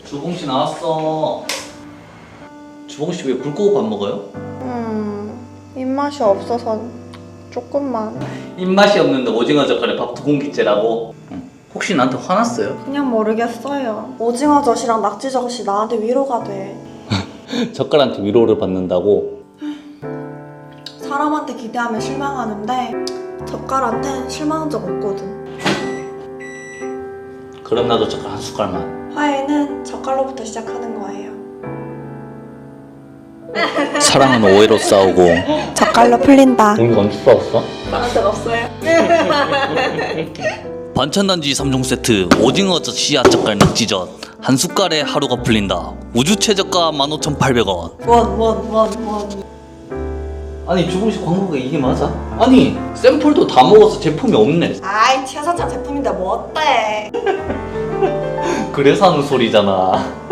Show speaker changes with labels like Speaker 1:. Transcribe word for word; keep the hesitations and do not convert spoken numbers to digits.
Speaker 1: 주봉씨 나왔어. 주봉씨 왜 불 끄고 밥 먹어요?
Speaker 2: 음, 입맛이 없어서 조금만.
Speaker 1: 입맛이 없는데 오징어 젓갈에 밥 두 공기째라고? 응. 혹시 나한테 화났어요?
Speaker 2: 그냥 모르겠어요. 오징어 젓이랑 낙지 젓이 나한테 위로가 돼.
Speaker 1: 젓갈한테 위로를 받는다고?
Speaker 2: 사람한테 기대하면 실망하는데 젓갈한텐 실망한 적 없거든.
Speaker 1: 그럼 나도 젓갈 한 숟갈만.
Speaker 2: 화해는 젓갈로부터 시작하는 거예요.
Speaker 1: 사랑은 오해로 싸우고.
Speaker 2: 젓갈로 풀린다.
Speaker 1: 우리 언제 싸웠어?
Speaker 2: 나한테 없어요.
Speaker 1: 반찬단지 삼 종 세트 오징어젓, 씨앗 젓갈, 낙지젓 한 숟갈에 하루가 풀린다. 우주 최저가 만 오천팔백 원.
Speaker 2: 원, 원, 원, 원.
Speaker 1: 아니 주봉씨 광고가 이게 맞아? 아니 샘플도 다 먹어서 제품이 없네.
Speaker 2: 아이, 최선창 제품인데 뭐 어때?
Speaker 1: 그래서 하는 소리잖아.